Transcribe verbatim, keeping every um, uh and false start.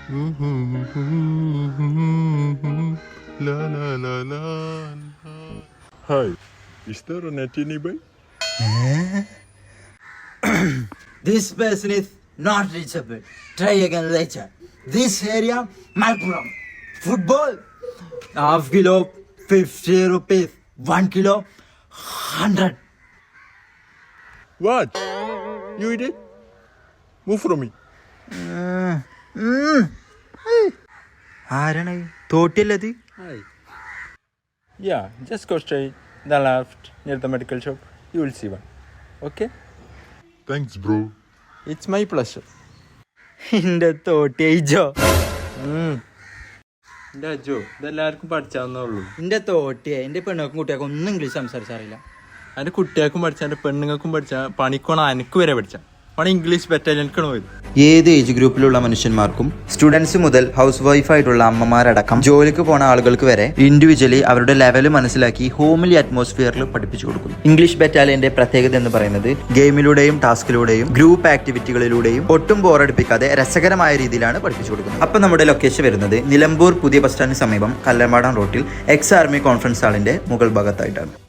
La la la la. Hi, is there a net nearby? This person is not reachable. Try again later. This area, Malpuram. Football, half kilo, fifty rupees. One kilo, hundred. What? You eat it? Move from me. ആരാണ് തോട്ടില്ലത്? Hi. Yeah, just go straight, the left, near the medical shop. You will see one. Okay? Thanks, bro. It's my pleasure. എന്റെ തോട്ടി അയച്ചോ? എൻ്റെ അജോ ഇതെല്ലാവർക്കും പഠിച്ചാവുന്നേ ഉള്ളൂ. എന്റെ തോട്ടിയെ എന്റെ പെണ്ണുക്കും കുട്ടികൾക്കും ഒന്നും ഇംഗ്ലീഷ് സംസാരിച്ചറിയില്ല. എൻ്റെ കുട്ടികൾക്കും പഠിച്ചാൽ എൻ്റെ പെണ്ണുങ്ങൾക്കും പഠിച്ചാൽ പണിക്കോണം എനിക്ക് വരെ പഠിച്ചാൽ പണി ഇംഗ്ലീഷ് ബറ്റാലിയനിക്കാണ് പോയത്. ഏത് ഏജ് ഗ്രൂപ്പിലുള്ള മനുഷ്യന്മാർക്കും സ്റ്റുഡൻസ് മുതൽ ഹൗസ് വൈഫായിട്ടുള്ള അമ്മമാരടക്കം ജോലിക്ക് പോണ ആളുകൾക്ക് വരെ ഇൻഡിവിജ്വലി അവരുടെ ലെവൽ മനസ്സിലാക്കി ഹോംലി അറ്റ്മോസ്ഫിയറിൽ പഠിപ്പിച്ചു കൊടുക്കുന്നു. ഇംഗ്ലീഷ് ബറ്റാലിയന്റെ പ്രത്യേകത എന്ന് പറയുന്നത് ഗെയിമിലൂടെയും ടാസ്കിലൂടെയും ഗ്രൂപ്പ് ആക്ടിവിറ്റികളിലൂടെയും ഒട്ടും ബോറടിപ്പിക്കാതെ രസകരമായ രീതിയിലാണ് പഠിപ്പിച്ചു കൊടുക്കുന്നത്. അപ്പം നമ്മുടെ ലൊക്കേഷൻ വരുന്നത് നിലമ്പൂർ പുതിയ ബസ് സ്റ്റാൻഡിന് സമീപം കല്ലമ്പാടം റോട്ടിൽ എക്സ് ആർമി കോൺഫറൻസ് ഹാളിന്റെ മുകൾ ഭാഗത്തായിട്ടാണ്.